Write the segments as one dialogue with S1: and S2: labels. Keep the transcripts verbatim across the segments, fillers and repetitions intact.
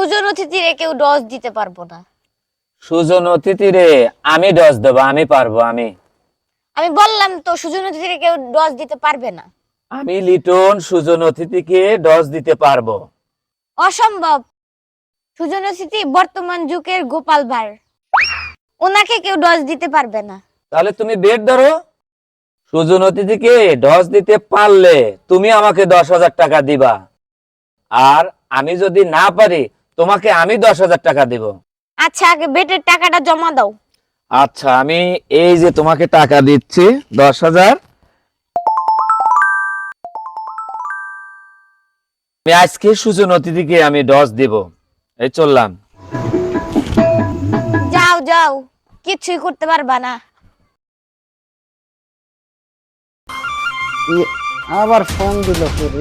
S1: সুজন অতিথিরে কেউ ডজ দিতে পারবো না।
S2: সুজন অতিথিরে আমি ডজ দেব, আমি পারবো। আমি
S1: আমি বললাম তো সুজন অতিথিরে কেউ ডজ দিতে পারবে না।
S2: আমি লিটন সুজন অতিথিকে ডজ দিতে পারবো।
S1: অসম্ভব। সুজন অতিথি বর্তমান যুগের গোপাল ভাঁড়, ওনাকে কেউ ডজ দিতে পারবে না।
S2: তাহলে তুমি বেট ধরো, সুজন অতিথিকে ডজ দিতে পারলে তুমি আমাকে দশ হাজার টাকা দিবা, আর আমি যদি না পারি তোমাকে আমি দশ হাজার টাকা দিব।
S1: আচ্ছা, আগে বেটের টাকাটা জমা দাও।
S2: আচ্ছা, আমি এই যে তোমাকে টাকা দিচ্ছি দশ হাজার। আমি আজকে সুজন অতিথিকে আমি ডজ দিব। এই চললাম।
S1: যাও যাও, কিছুই করতে পারবা না।
S3: আবার ফোন দিল করে।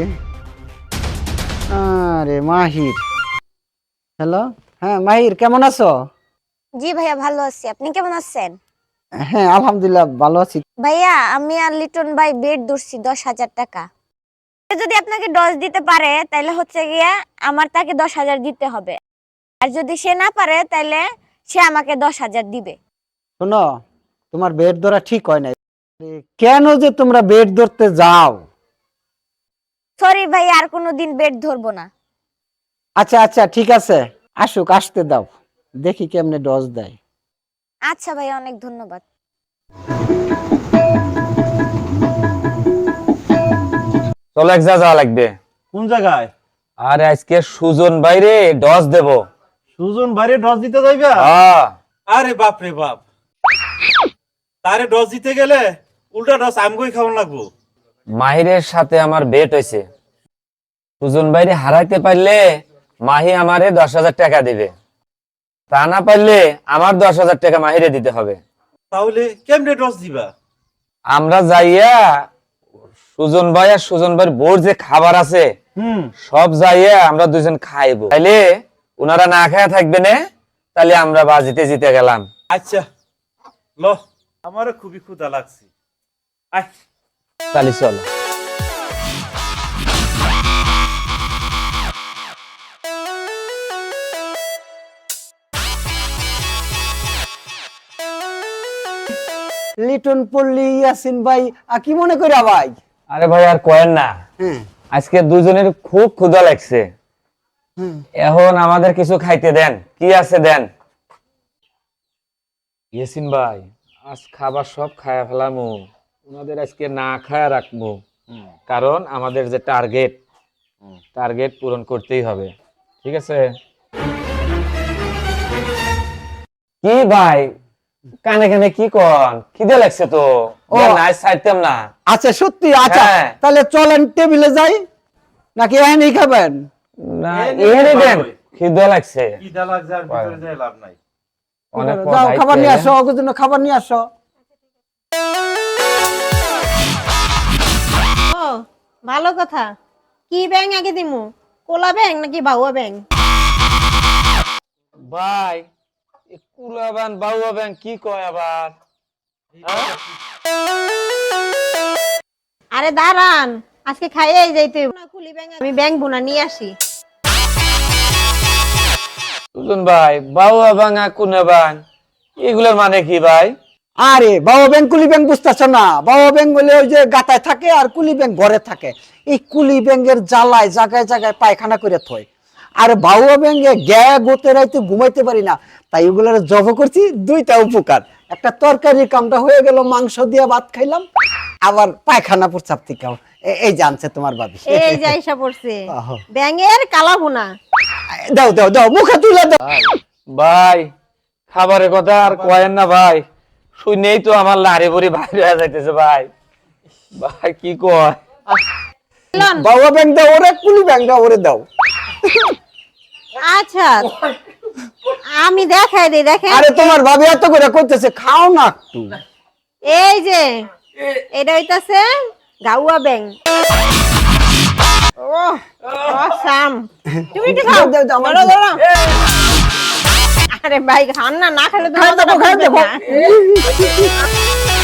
S3: আরে মাহির, হ্যালো। হ্যাঁ মাহির, কেমন আছো?
S1: জি ভাইয়া, ভালো আছি। আপনি কেমন আছেন?
S3: হ্যাঁ আলহামদুলিল্লাহ ভালো আছি।
S1: ভাইয়া, আমি আর লিটন ভাই বেড ধরছি দশ হাজার টাকা। যদি আপনাকে ডজ দিতে পারে তাহলে হচ্ছে গিয়া আমার তাকে দশ হাজার দিতে হবে, আর যদি সে না পারে তাহলে সে আমাকে দশ হাজার দিবে।
S3: শোনো, তোমার বেড ধরা ঠিক হয় নাই। কেন যে তোমরা বেড ধরতে যাও?
S1: সরি ভাই, আর কোনোদিন বেড ধরবো না।
S3: আচ্ছা আচ্ছা ঠিক আছে, আসুক, আসতে দাও, দেখি কেমনে ডজ দেয়।
S1: আচ্ছা ভাই, অনেক ধন্যবাদ।
S2: চলো, এক যা যাওয়া লাগবে।
S4: কোন জায়গায়?
S2: আর আজকে সুজন বাইরে ডজ দেব।
S4: সুজন বাইরে ডজ দিতে যাইবা?
S2: হ্যাঁ।
S4: আরে বাপ রে বাপ, তারে ডজ দিতে গেলে উল্টা ডজ আমগোই খাওয়ান লাগবো।
S2: মাহিরের সাথে আমার বেট হয়েছে, সুজন বাইরে হারাইতে পারলে মাহি আমারে দশ হাজার টাকা দিবে, তা না পারলে আমার দশ হাজার টাকা মাহিরে দিতে হবে।
S4: তাহলে কেমনে ডজ দিবা?
S2: আমরা যাইয়া সুজন ভাই আর সুজন ভাইয়ের বোর যে খাবার আছে
S4: হুম,
S2: সব যাইয়া আমরা দুজন খাইবো, তাইলে ওনারা না খায়া থাকবে না, তাহলে আমরা বাজিতে জিতে গেলাম।
S4: আচ্ছা ল, আমারও খুবই ক্ষুধা লাগছে। আয়
S2: তাহলে চলো।
S3: লিটন পল্লী ইয়াসিন ভাই, আর কি মনে করি ভাই?
S2: আরে ভাই আর কয়েন না,
S3: হ্যাঁ
S2: আজকে দুজনের খুব ক্ষুধা লাগছে,
S3: হ্যাঁ।
S2: এখন আমাদের কিছু খাইতে দেন, কি আছে দেন। ইয়াসিন ভাই, আজ খাবার সব খায়া ফেলামু, ওনাদের আজকে না খায়া রাখবো, কারণ আমাদের যে টার্গেট টার্গেট পূরণ করতেই হবে, ঠিক আছে? কি ভাই কানে কানে কি কন, খিদে লাগছে তো।
S3: ও।
S2: নাই ছাড়তাম না।
S3: আচ্ছা সত্যি? আচ্ছা
S2: হ্যাঁ।
S3: তাহলে চলেন টেবিলে যাই, নাকি এখানেই খাবেন?
S2: না,
S4: এই
S2: এখানে
S4: নে,
S2: দেন,
S4: ভাই।
S2: খিদে লাগছে
S4: খিদা লাগছে, আর ভিতরে যাই লাভ নাই।
S2: অনেক।
S3: যাও খাবার নিয়ে আসো, ওর জন্য খাবার নিয়ে আসো।
S5: ও ভালো কথা। কি ব্যাং আগে দিমু, কোলা ব্যাং নাকি বাউয়া ব্যাং?
S2: ভাই এ কুলাবান বাউয়া ব্যাং কি কয় আবার? হ্যাঁ?
S5: আরে দাঁড়ান, আজকে খাইয়েই যাইতে হইব। না কুলি ব্যাং, আমি ব্যাং বুনা নিয়ে আসি।
S2: সুজন ভাই, বাউয়া বাঙা কুনা বাং এগুলোর মানে কি ভাই?
S3: আরে বাবা ব্যাং কুলি ব্যাং বুঝতেছ না? বাবা ব্যাং বলে ওই যে গাতায় থাকে, আর কুলি ব্যাং ঘরে থাকে। এই কুলি ব্যাংয়ের জ্বালায় জায়গায় জায়গায় পায়খানা করে থয়, আর বাউয়া ব্যাংয়ে গ্যা গোতে রাইতে ঘুমাইতে পারি না, তাই ওগুলোর জব করছি। দুইটা উপকার, একটা তরকারির কামটা হয়ে গেল, মাংস দিয়ে ভাত খাইলাম, আবার পায়খানা প্রস্রাব থেকেও। এ- এই জানছে তোমার ভাবি।
S5: এই যে আইসা পড়ছে
S3: আহা।
S5: ব্যাঙের কালা ভুনা।
S3: দাও দাও দাও, মুখে তুলে দাও।
S2: ভাই খাবারের কথা আর কয়েন না ভাই, শুনেই তো আমার লাড়ি বুড়ি বাইরে হয়ে যাইতেছে ভাই। ভাই কি কয়?
S5: লন।
S3: বাবা ব্যাং দাও ওরে, কুলি ব্যাং দাও ওরে, দাও।
S5: আচ্ছা আমি দেখাই দিই, দেখেন।
S3: আরে তোমার ভাবি এত করে করতেছে, খাও না একটু।
S5: এই যে এটা হইতাছে গাউয়া ব্যাং। ও অসাম। তুমি একটু খাও।
S3: দাও, দাও, আমার
S5: ধরো, ধরো। আরে ভাই খান না, না খেলে তো
S3: খাই
S5: মজাটা
S3: দেবো, খাই
S5: বুঝবেন
S3: দেবো।
S5: না।